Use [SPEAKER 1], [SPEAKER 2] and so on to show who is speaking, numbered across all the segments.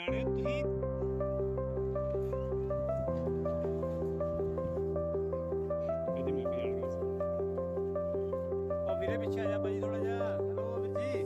[SPEAKER 1] ਸਿਆਣੇ ਤੁਸੀਂ ਕਦੀ ਮੈਂ ਵੀ ਆਣ ਗਿਆ ਸੀ। ਉਹ ਵੀਰੇ ਪਿੱਛੇ ਆ ਜਾ ਭਾਜੀ ਥੋੜਾ ਜਿਹਾ। ਹੈਲੋ ਵੀਰ ਜੀ।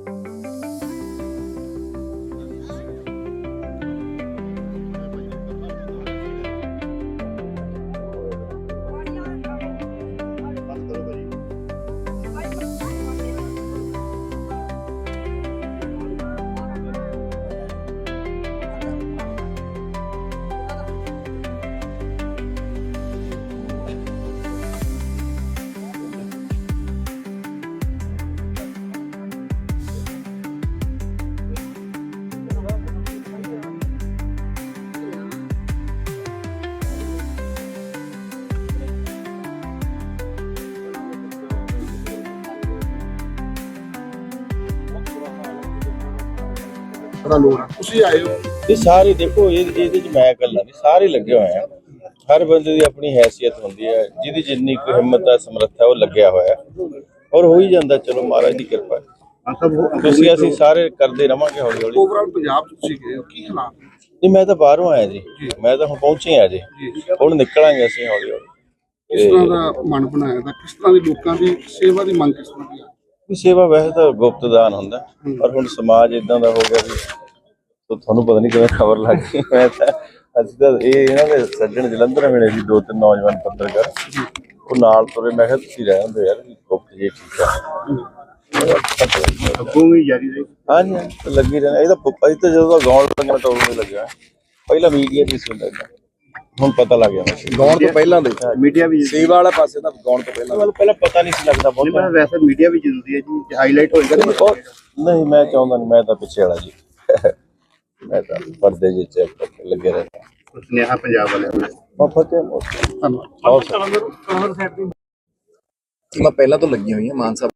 [SPEAKER 2] ਤੁਸੀਂ ਆਏ ਹੋ
[SPEAKER 3] ਇਹ ਸਾਰੇ ਦੇਖੋ ਇਹਦੇ ਚ ਮੈਂ ਇਕੱਲਾ ਨਹੀਂ, ਸਾਰੇ ਲੱਗੇ ਹੋਏ ਆ। ਹਰ ਬੰਦੇ ਦੀ ਆਪਣੀ ਹੈਸੀਅਤ ਹੁੰਦੀ ਹੈ, ਜਿਹਦੀ ਜਿੰਨੀ ਕੁ ਹਿੰਮਤ ਦਾ ਸਮਰੱਥਾ ਉਹ ਲੱਗਿਆ ਹੋਇਆ ਔਰ ਹੋ ਹੀ ਜਾਂਦਾ। ਚਲੋ ਮਹਾਰਾਜ ਦੀ ਕਿਰਪਾ ਹੈ। ਤੁਸੀਂ ਅਸੀਂ ਸਾਰੇ ਕਰਦੇ ਰਵਾਂਗੇ ਹੌਲੀ ਹੌਲੀ।
[SPEAKER 2] ਓਵਰਆਲ ਪੰਜਾਬ ਚ ਤੁਸੀਂ ਗਏ ਹੋ, ਕੀ ਹਾਲਾਤ ਨੇ?
[SPEAKER 3] ਨਹੀਂ, ਮੈਂ ਤਾਂ ਬਾਹਰੋਂ ਆਇਆ ਜੀ, ਮੈਂ ਤਾਂ ਹੁਣ ਪਹੁੰਚੇ ਆ ਜੀ, ਹੁਣ ਨਿਕਲਾਂਗੇ ਅਸੀਂ ਹੌਲੀ ਹੌਲੀ।
[SPEAKER 2] ਕਿਸ ਤਰ੍ਹਾਂ ਦਾ ਮਨ ਬਣਾਇਆ ਦਾ, ਕਿਸ ਤਰ੍ਹਾਂ ਦੀ ਲੋਕਾਂ ਦੀ ਸੇਵਾ ਦੀ ਮੰਗ ਕਿਸ ਤਰ੍ਹਾਂ ਦੀ ਹੈ?
[SPEAKER 3] ਸੇਵਾ ਵੈਸੇ ਤਾਂ ਗੁਪਤ ਦਾਨ ਹੁੰਦਾ, ਪਰ ਹੁਣ ਸਮਾਜ ਇਦਾਂ ਦਾ ਹੋ ਗਿਆ ਵੀ ਤੁਹਾਨੂੰ ਪਤਾ ਨਹੀਂ ਕਿਵੇਂ ਖਬਰ ਲੱਗ ਗਈ। ਮੈਂ ਤਾਂ ਅਸੀਂ ਤਾਂ ਇਹਨਾਂ ਦੇ ਸੱਜਣ ਜਲੰਧਰ ਮਿਲੇ ਸੀ, 2-3 ਨੌਜਵਾਨ ਪੱਤਰਕਾਰ, ਉਹ ਨਾਲ ਤੁਰੇ। ਮੈਂ ਕਿਹਾ ਤੁਸੀਂ ਰਹਿ ਹੁੰਦੇ ਯਾਰ, ਗੁਪਤ ਜੀ ਠੀਕ ਆ।
[SPEAKER 2] ਅੱਗੋਂ ਵੀ ਜਾਰੀ ਰਹੀ।
[SPEAKER 3] ਹਾਂਜੀ ਲੱਗੀ ਰਹਿਣਾ। ਇਹ ਤਾਂ ਅਸੀਂ ਤਾਂ ਜਦੋਂ ਦਾ ਗਾਉਣ ਲੱਗਣਾ ਟੋਲ ਨਹੀਂ ਲੱਗਿਆ, ਪਹਿਲਾਂ ਮੀਡੀਆ ਨਹੀਂ ਸੀ ਹੁੰਦਾ, ਹੁਣ ਪਤਾ ਲੱਗ ਗਿਆ।
[SPEAKER 2] ਗਾਉਣ ਤੋਂ ਪਹਿਲਾਂ ਦੇ ਮੀਡੀਆ ਵੀ ਸੇਵਾ ਵਾਲਾ ਪਾਸੇ ਤਾਂ ਗਾਉਣ ਤੋਂ
[SPEAKER 3] ਪਹਿਲਾਂ ਪਤਾ ਨਹੀਂ ਸੀ ਲੱਗਦਾ ਬਹੁਤ।
[SPEAKER 2] ਵੈਸੇ ਮੀਡੀਆ ਵੀ ਜ਼ਰੂਰੀ ਹੈ ਜੀ, ਹਾਈਲਾਈਟ ਹੋਏਗਾ।
[SPEAKER 3] ਨਹੀਂ, ਮੈਂ ਚਾਹੁੰਦਾ ਨਹੀਂ, ਮੈਂ ਤਾਂ ਪਿੱਛੇ ਵਾਲਾ ਜੀ, ਮੈਂ ਤਾਂ ਪਰਦੇ ਜਿਹੇ ਚ ਲੱਗੇ ਰਹਿੰਦਾ।
[SPEAKER 2] ਸੁਨੇਹਾ ਪੰਜਾਬ ਵਾਲਿਆਂ ਨੂੰ।
[SPEAKER 3] ਧੰਨਵਾਦ।
[SPEAKER 4] ਮੈਂ ਪਹਿਲਾਂ ਤੋਂ ਲੱਗੀ ਹੋਈ ਹਾਂ ਮਾਨ ਸਾਹਿਬ